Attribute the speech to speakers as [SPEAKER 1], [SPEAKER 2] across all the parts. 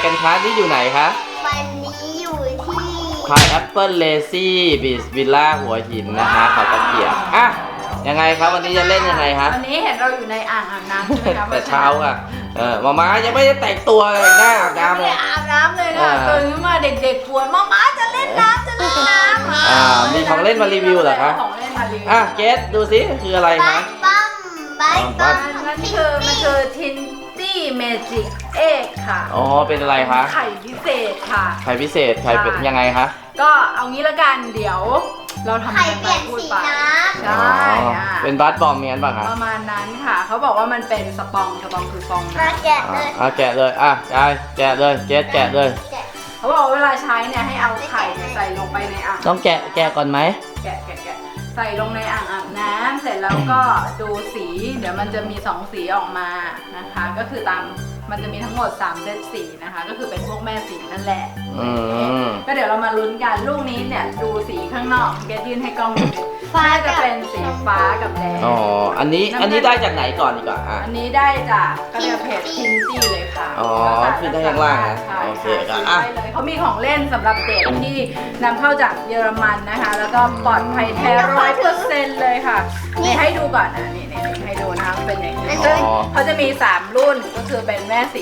[SPEAKER 1] กันคะที่อยู่ไหนคะ
[SPEAKER 2] วันนี้อยู่ที่
[SPEAKER 1] พายแอปเปิลเลซี่บีชวิลล่าหัวหินนะคะเขาตะเกียบอ่ะยังไงครับวันนี้จะเล่นยังไงคะ
[SPEAKER 3] วันนี้เห็นเราอยู่ในอ่างอาบน้ำใช่ไหมคะ
[SPEAKER 1] แต่เช้าค่ะมาม่ายังไม่ได้แต่งตัวเลยหน้าอาบน้ำเลย
[SPEAKER 3] อาบน้ำเลยค่ะตื่นขึ้นมาเด็กๆปวดมาจะเล่นน้ำ
[SPEAKER 1] มีของเล่นมารีวิวเหรอคะ
[SPEAKER 3] ของเล่นมารีวิว
[SPEAKER 1] เกสดูสิคืออะไร
[SPEAKER 2] บั
[SPEAKER 1] คะ
[SPEAKER 2] สบัมบัสบัม
[SPEAKER 3] มันคือทินตี้เมจิกเอ็กค่ะ
[SPEAKER 1] อ๋อเป็นอะไรคะ
[SPEAKER 3] ไข่พิเศษค่ะ
[SPEAKER 1] ไข่พิเศษไข่เป็นยังไงคะ
[SPEAKER 3] ก็เอางี้ละกันเดี๋ยวเราทำ
[SPEAKER 2] ไข่เปลี่ยนสีน้ำ
[SPEAKER 3] ใช่
[SPEAKER 1] เป็นบัสบอมเมียนป่ะคะ
[SPEAKER 3] ประมาณนั้นค่ะเขาบอกว่ามันเป็นสปองคือฟอง
[SPEAKER 2] มาแกะเลย
[SPEAKER 1] แกะเลยยายแกะเลยเกสแกะเลย
[SPEAKER 3] เขาบอกเวลาใช้เนี่ยให้เอาไข่ใส่ลงไปในอ่าง
[SPEAKER 1] ต้องแกะก่อนไหม
[SPEAKER 3] แกะใส่ลงในอ่างอาบน้ำเสร็จแล้วก็ดูสีเดี๋ยวมันจะมี2สีออกมานะคะก็คือมันจะมีทั้งหมด3เซตสีนะคะก็คือเป็นพวกแม่สีนั่นแหละก็เดี๋ยวเรามาลุ้นกันลูกนี้เนี่ยดูสีข้างนอกแกยื่นให้กล้องดูฟ้าจะเป็นสีฟ้ากับแดง
[SPEAKER 1] อันนี้ได้จากไหนก่อนดีกว่า
[SPEAKER 3] อันนี้ได้จากก็เรียกเพจทินตี้เลยค่ะ
[SPEAKER 1] ขึ้นได้ข้างล่างนะโอเค
[SPEAKER 3] ก็เลยเขามีของเล่นสำหรับเด็กที่นำเข้าจากเยอรมันนะคะแล้วก็ปลอดภัยแท้100%เลยค่ะนี่ให้ดูก่อนนะนี่ให้ดูนะคะเป็นอย่างนี้ซึ่งเขาจะมี3รุ่นก็คือเป็นแม่สี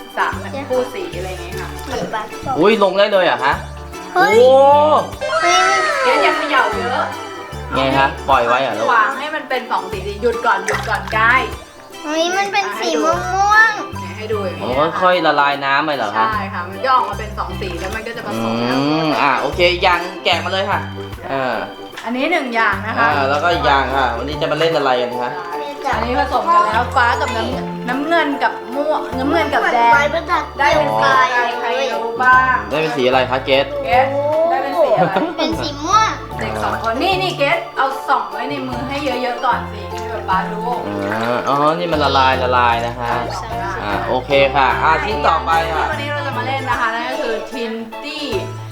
[SPEAKER 3] 3คู่สีอะไรอย่างเงี้ยค่ะ
[SPEAKER 1] อุ้ยลงได้เลยเหรอคะโอ้
[SPEAKER 3] เดี๋ยวอย่าเขย่าเยอะ
[SPEAKER 1] ไงฮะปล่อยไว้เหรอลูก
[SPEAKER 3] วางให้มันเป็น2สีหยุดก่อนได้
[SPEAKER 2] นี่มันเป็นสีม่วง
[SPEAKER 3] ให้ดูอย่างนี้
[SPEAKER 1] ค่อยละลายน้ำไปเหรอคะ
[SPEAKER 3] ใช่ค่ะมันจะออกมาเป็น2สีแล้วมันก็จะผสมกัน
[SPEAKER 1] โอเคยังแกะมาเลยค่ะ
[SPEAKER 3] อันนี้1อย่างนะคะ
[SPEAKER 1] แล้วก็อีกอย่างค่ะวันนี้จะมาเล่นอะไรกันคะ
[SPEAKER 3] อันนี้ผสมกันแล้วฟ้ากับน้ำเงินกับม่วงน้ำเงินกับแดงได้เป็นสีอะไรใครรู้บ้าง
[SPEAKER 1] ได้เป็นสีอะไรคะเกส
[SPEAKER 3] ได้เป็นสีอะไร
[SPEAKER 2] เป็นสีม่วง
[SPEAKER 3] เด็ก2คนนี่เกสเอาส่องไว้ในมือให้เยอะๆก่อนสิให้แบบป้าดู
[SPEAKER 1] นี่มันละลายนะคะโอเคค่ะชิ้นต่อไปค่ะ
[SPEAKER 3] วันนี้เราจะมาเล่นนะคะนั่นก็คือทินตี้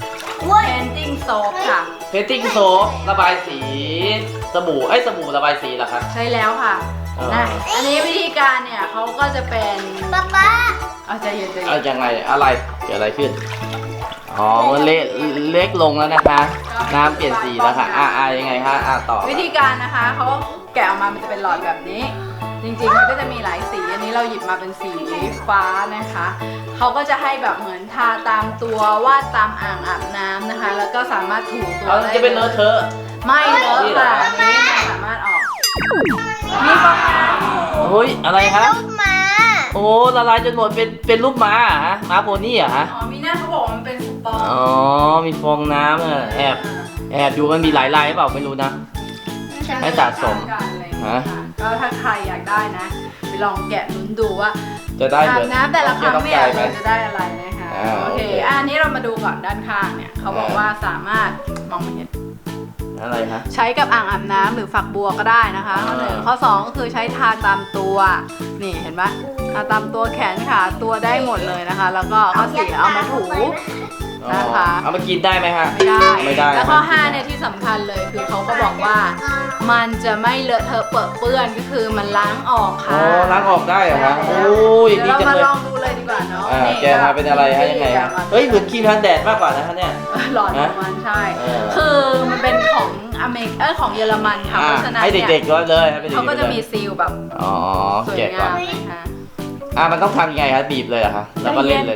[SPEAKER 3] Painting Soap ค่ะ
[SPEAKER 1] Painting Soap ระบายสีสบู่ระบายสีเหรอคะ
[SPEAKER 3] ใช่แล้วค่ะอันนี้วิธีการเนี่ยเขาก็จะเป็น
[SPEAKER 2] ป๊า
[SPEAKER 3] ใจเย็น
[SPEAKER 1] ยังไงอะไรเกิดอะไรขึ้นมันเล็กลงแล้วนะคะน้ำเปลี่ยนสีแล้วค่ะยังไงคะต่อ
[SPEAKER 3] วิธีการนะคะเขาแกะออกมามันจะเป็นหลอดแบบนี้จริงๆมันก็จะมีหลายสีอันนี้เราหยิบมาเป็นสีฟ้านะคะเขาก็จะให้แบบเหมือนทาตามตัววาดตามอ่างอาบน้ำนะคะแล้วก็สามารถถูตัวได้
[SPEAKER 1] จะเป็นเลอะเทอะ
[SPEAKER 3] ไม่เลอะค่ะนี้มันสามารถออกมีฟองน้ำ
[SPEAKER 1] เฮ้ยอะไรครับ
[SPEAKER 2] รูปม้า
[SPEAKER 1] ละลายจนหมดเป็นรูปม้าฮะม้าโพนี่เหรอฮะ
[SPEAKER 3] มีหน้าเขาบอกมันเป็นสปอง
[SPEAKER 1] มีฟองน้ำแอบดูมันมีหลายลายหรือเปล่าไม่รู้นะให้สะสม
[SPEAKER 3] ก็ถ้าใครอยากได้นะไปลองแกะลุ้นดูว่า
[SPEAKER 1] จะได้
[SPEAKER 3] อาบน้ำแต่ละครั้งเนี่ยเราจะได้อะไรนะคะโอเคอันนี้เรามาดูก่อนด้านข้างเนี่ยเขาบอกว่าสามารถมองไม่เห็น
[SPEAKER 1] อะไรคะ
[SPEAKER 3] ใช้กับอ่างอาบน้ำหรือฝักบัวก็ได้นะคะข้อ1ข้อ2ก็คือใช้ทาตามตัวนี่เห็นไหมทาตามตัวแขนขาตัวได้หมดเลยนะคะแล้วก็ข้อ4เอามาถูนะคะ
[SPEAKER 1] เอามากินได้ไหมฮะ
[SPEAKER 3] ไม่ได้แล้วข้อ5เนี่ยที่สำคัญเลยคือเขาก็บอกว่ามันจะไม่เลอะเทอะเปื้อนก็คือมันล้างออกค่ะ
[SPEAKER 1] ล้างออกได้เหรอคะโอ้ย
[SPEAKER 3] ดีจังเลยเรามาลองดูเลยดีกว่าเนาะ
[SPEAKER 1] แกทาเป็นอะไรให้ยังไงเหมือนครีมกันแดดมากกว่านะคะเนี่ย
[SPEAKER 3] หลอดของมันใช่คือมันเป็นของของเยอรมันค่ะเพราะฉะนั้น
[SPEAKER 1] ให้เด็กๆก็เลย
[SPEAKER 3] เขาก็จะมีซีลแบบสวยงามนะคะ
[SPEAKER 1] มันต้องทำยังไงคะบีบเลยเหรอคะแล้วก็เล่นเลย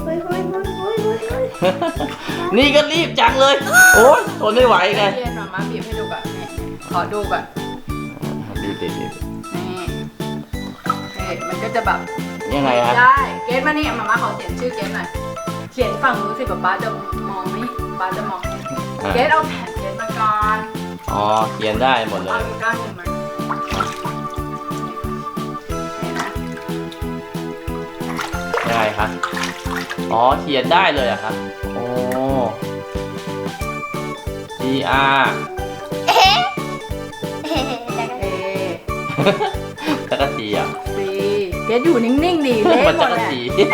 [SPEAKER 1] นี่ก็รีบจังเลยโอ้ยทนไม่ไหวไง
[SPEAKER 3] เย็นมาบีบให้ดูก่อนขอดูก่อน
[SPEAKER 1] บีบนี่
[SPEAKER 3] มันก็จะแบบ
[SPEAKER 1] ยังไงฮะ
[SPEAKER 3] ได้เกสมานี่มาขอเขียนชื่อเกสหน่อยเขียนฝั่งนู้นสิป๊าจะมองไม่ป๊าจะมองเกสเอาแผ่นเกสมาก่อน
[SPEAKER 1] เขียนได้หมดเลย
[SPEAKER 3] เอาก้านขึ้นมา
[SPEAKER 1] ยังไงคะเขียนได้เลยอะครับGR ตะกะตีอ่ะ
[SPEAKER 3] เกสอยู่นิ่งๆดีเล่นหมดเลย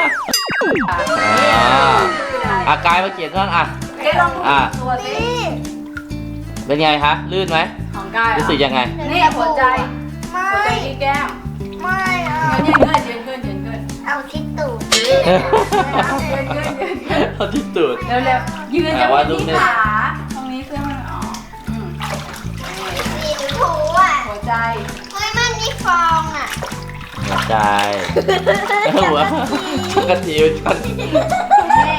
[SPEAKER 1] กายมาเขียนบ้าง
[SPEAKER 3] เกสลองตัวสิ
[SPEAKER 1] เป็นไงคะลื่นไหม
[SPEAKER 3] ของกาย
[SPEAKER 1] รู้สึกยังไง
[SPEAKER 3] นี่หัวใจที่แก้ม
[SPEAKER 2] ไม่
[SPEAKER 3] ยืนขึ้น
[SPEAKER 2] เอาที่ตูด
[SPEAKER 1] เอาที่ตูด
[SPEAKER 3] เร็วๆยืนจะ
[SPEAKER 1] ว่า
[SPEAKER 3] เป็น
[SPEAKER 1] รูป
[SPEAKER 3] ที่
[SPEAKER 1] นี้
[SPEAKER 3] ขาตรงนี้เสื้อมันออก
[SPEAKER 2] สีถูอ่ะ
[SPEAKER 3] หัวใจ
[SPEAKER 2] เฮ้ยมันมีฟองอ่ะ
[SPEAKER 1] หัวใจหัวช็อกโกทิวช็อก
[SPEAKER 3] นี่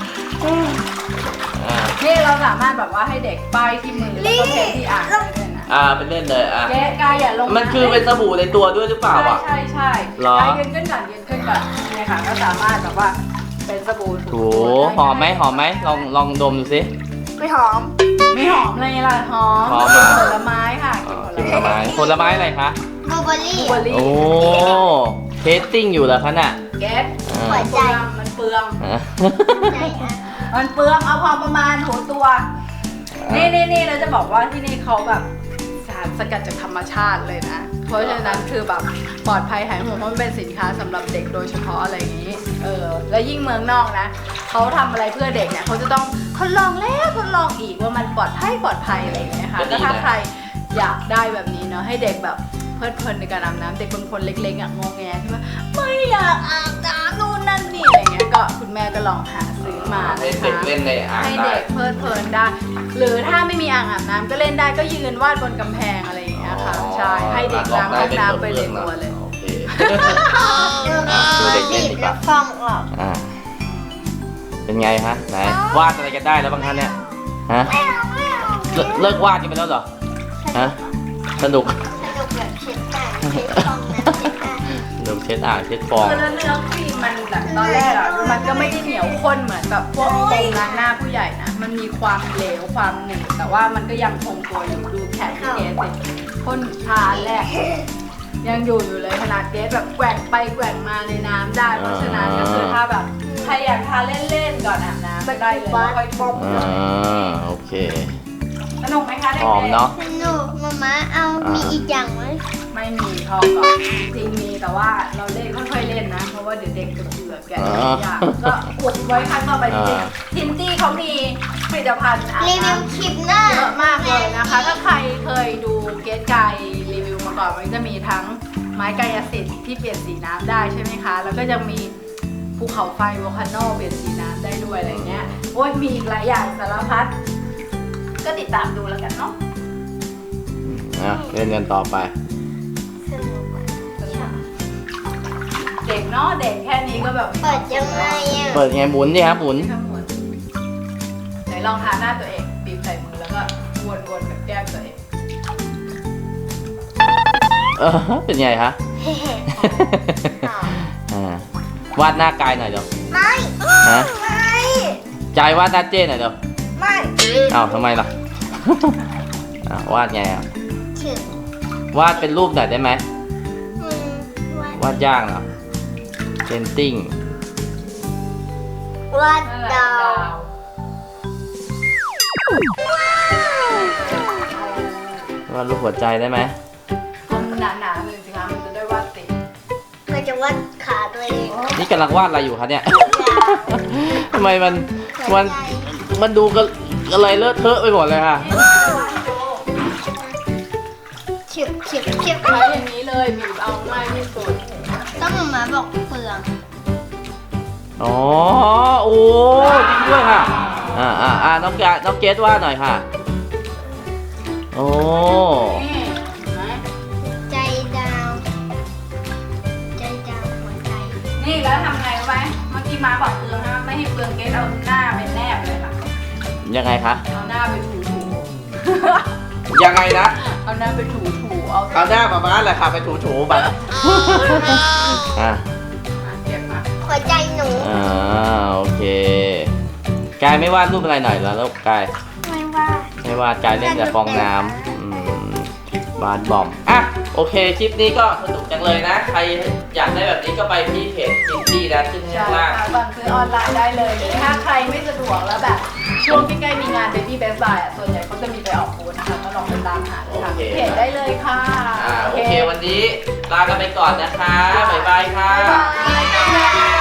[SPEAKER 3] นี่เราสามารถแบบว่าให้เด็กป้ายที่มือแล้วก็เทที่อ่างได้เลยนะ
[SPEAKER 1] ไปเล่นเลย
[SPEAKER 3] เก๊กายอย่าลง
[SPEAKER 1] มันคือเป็นสบู่ในตัวด้วยหรือเปล่าอ่ะ
[SPEAKER 3] ใช่ใช่
[SPEAKER 1] หรอ
[SPEAKER 3] กายยืนขึ้นก่อนยืนขึ้นก่อนเนี่ยค่ะก็สามารถแบบว่าเป็นสบู่
[SPEAKER 1] โหหอมไหมหอมไหมลองดมดูสิ
[SPEAKER 2] ไม่หอม
[SPEAKER 3] ไม่หอมเลยล่ะหอม
[SPEAKER 1] หอมอะ
[SPEAKER 3] ผลไม้ค่ะ
[SPEAKER 1] กินผลไม้ผลไม้อะไรคะ
[SPEAKER 2] บลูเบอร์รี่
[SPEAKER 3] บลูเบอร์รี่
[SPEAKER 1] โอ้เทสติ้งอยู่เหรอคะน่ะ
[SPEAKER 3] เก๊ก
[SPEAKER 2] หัวใจ
[SPEAKER 3] มันเปลือง
[SPEAKER 2] ใจอ่ะ
[SPEAKER 3] มันเปลืองเอาพอประมาณหัวตัว นี่เราจะบอกว่าที่นี่เขาแบบสารสกัดจากธรรมชาติเลยนะ เพราะฉะนั้นคือแบบปลอดภัยหายห่วงเพราะมันเป็นสินค้าสำหรับเด็กโดยเฉพาะอะไรอย่างนี้ แล้วยิ่งเมืองนอกนะเขาทำอะไรเพื่อเด็กเนี่ยเขาจะต้องทดลองแล้วทดลองอีกว่ามันปลอดภัยอะไรอย่างเงี้ยค่ะก็ถ้าใครอยากได้แบบนี้เนาะให้เด็กแบบเพลิดเพลินในการอาบน้ำเด็กบางคนเล็กๆอ่ะงงแงที่ว่าไม่อยากอาบน้ำนู่นนั่นนี่อะไรเงี้ยก็คุณแม่ก็ลองหาซื้อมา
[SPEAKER 1] ให้
[SPEAKER 3] นะคะ
[SPEAKER 1] เด็กเล่นในอ่าง
[SPEAKER 3] ให้
[SPEAKER 1] ได้
[SPEAKER 3] เด็กเพลิดเพลินได้ หรือถ้าไม่มีอ่างอาบน้ำก็เล่นได้ก็ยืนวาดบนกำแพงอะไรอย่างเงี้ยค่ะใช่ให้เด็กล้างห้องน้ำไปในตัวเลย
[SPEAKER 1] โอเค
[SPEAKER 2] ดูเด็กเล่นดีกว่าฟองออก
[SPEAKER 1] เป็นไงฮะไหนวาดอะไรกันได้แล้วบางท่านเนี่ยฮะ
[SPEAKER 2] ไม่เอาไม่เอา
[SPEAKER 1] เลิกวาดกันไปแล้วเหรอฮะสนุก
[SPEAKER 2] สนุกแบบเช็ดอ่างเช็ดฟองน้ำเช็ดอ่าง
[SPEAKER 1] สนุกเช็ดอ่างเช็ดฟอง
[SPEAKER 3] คือแล้วเนื้อครีมมันแบบตอนแรกอ่ะมันก็ไม่ได้เหนียวข้นเหมือนกับพวกโฟมล้างหน้าผู้ใหญ่นะมันมีความเหลวความหนืดแต่ว่ามันก็ยังคงตัวอยู่ดูแขนที่เกสสิพ่นทาแรกยังอยู่เลยขนาดเกสแบบแกว่งไปแกว่งมาในน้ำได้เพราะฉะนั้นก็คือถ้าแบบใครอยากทาเล่นๆก่อนอาบน้ำได้เลยค่อยป้อมเลย
[SPEAKER 1] โอเค
[SPEAKER 3] สนุกไหมคะเด็ก
[SPEAKER 1] หอมเนาะ
[SPEAKER 2] สนุกมาม่าเอามีอีกอย่างไหม
[SPEAKER 3] ไม่มีพอก่อนจริงมีแต่ว่าเราเล่นค่อยๆเล่นนะ เพราะว่าเดี๋ยวเด็กจะเบื่อแกะอย่างก็อุดไว้ครั้งต่อไปจริงๆทินตี้เขามีผลิตภัณฑ์อาบ
[SPEAKER 2] รีวิว
[SPEAKER 3] น้ำ
[SPEAKER 2] คลิปหน้า
[SPEAKER 3] เยอะมากเลยนะคะ ถ้าใครเคยดูเกสไกรีวิวมาก่อนมันจะมีทั้งไม้กายสิทธิ์ที่เปลี่ยนสีน้ำได้ใช่ไหมคะ แล้วก็ยังมีภูเขาไฟโวลคาโนเปลี่ยนสีน้ำได้ด้วยอะไรเงี้ยโอ้ยมีอีกหลายอย่างสารพัดก็ติดตามดูแล้วกันเนาะ
[SPEAKER 1] เล่นกันต่อไป
[SPEAKER 2] สนุกอ่ะ
[SPEAKER 3] เด็กเนาะเด็กแค่นี้ก็แบบ
[SPEAKER 2] เปิดยังไงอ่ะ
[SPEAKER 1] เปิดไงหมุนดิครับหมุน
[SPEAKER 3] ทั้งหมดไหนลองทาหน้าตัวเองบีบใส่มือแล้วก็วนๆกับแก้มตัวเอง
[SPEAKER 1] เป็นไงฮะ วาดหน้ากายหน่อยเดี๋ยว
[SPEAKER 2] ไม่
[SPEAKER 1] ฮะ
[SPEAKER 2] ไม่
[SPEAKER 1] ใจวาดหน้าเจ้หน่อยเดี๋ยว
[SPEAKER 2] ไม่
[SPEAKER 1] อ้าวทำไมล่ะ วาดไงอ่ะ
[SPEAKER 2] ถึง
[SPEAKER 1] วาดเป็นรูปหน่อยได้ไหม
[SPEAKER 2] อืม
[SPEAKER 1] วาดยากเหรอเพนติ้ง
[SPEAKER 2] วาดดาว
[SPEAKER 1] วาดรูปหัวใจได้ไหม
[SPEAKER 3] ทำหนาๆเลยสิคะมันจะได้วาดติด
[SPEAKER 2] ก็จะวาดขาตัวเอง
[SPEAKER 1] นี่กำลังวาดอะไรอยู่คะเนี่ย ทำไมมัน
[SPEAKER 2] หัว
[SPEAKER 1] มัน
[SPEAKER 2] ใจ
[SPEAKER 1] มันดูกันอะไรเลอะเทอะไปหมดเลยค่ะ
[SPEAKER 2] เฉียบเฉียบเฉียบ
[SPEAKER 3] ใช้อย่างนี้เลยบีบเอาง่ายที่สุด
[SPEAKER 2] ต้องมาบอกเปลือง
[SPEAKER 1] อ๋อ โอ้จริงด้วยค่ะ น้องเกดวาดหน่อยค่ะ โอ้
[SPEAKER 3] นี่เห็นไหม
[SPEAKER 2] ใจดาวใจดาวหัวใจ
[SPEAKER 3] นี่แล้วทำไงรู้ไหมเมื่อกี้ม้าบอกเปลืองนะไม่ให้เปลืองเกสเอาหน้าไปแนบเลยค่ะ
[SPEAKER 1] ยังไงคะ
[SPEAKER 3] เอาหน้าไปถู
[SPEAKER 1] ยังไงนะ
[SPEAKER 3] เอาหน้าไปถูเอา
[SPEAKER 1] เอาหน้ามาบ้านแหละค่ะไปถูๆไปอ่ะ
[SPEAKER 3] เก็บมา
[SPEAKER 2] หัวใจหนู
[SPEAKER 1] โอเค กายไม่วาดรูปอะไรหน่อยเหรอลูกกาย
[SPEAKER 2] ไม่ว่า
[SPEAKER 1] ไม่วาดกายเล่นแต่ฟองน้ำบาสบอมอ่ะโอเคคลิปนี้ก็สนุกจังเลยนะ ใครอยากได้แบบนี้ก็ไปที่เพจจินตี้นะขึ้นให้
[SPEAKER 3] ใช่
[SPEAKER 1] ข้างล่าง
[SPEAKER 3] ค่ะสั่งซื้อออนไลน์ได้เลยหรือถ้าใครไม่สะดวกแล้วแบบช่วงใกล้ๆมีงาน Baby Best Buy อ่ะส่วนใหญ่เขาจะมีไปออกบูธนะคะก็ลองไปตามหาเลยค่ะที่เพจได้เลยค่ะ
[SPEAKER 1] โอเควันนี้ลากันไปก่อนนะคะบ๊ายบายค่ะ
[SPEAKER 3] บ๊ายบาย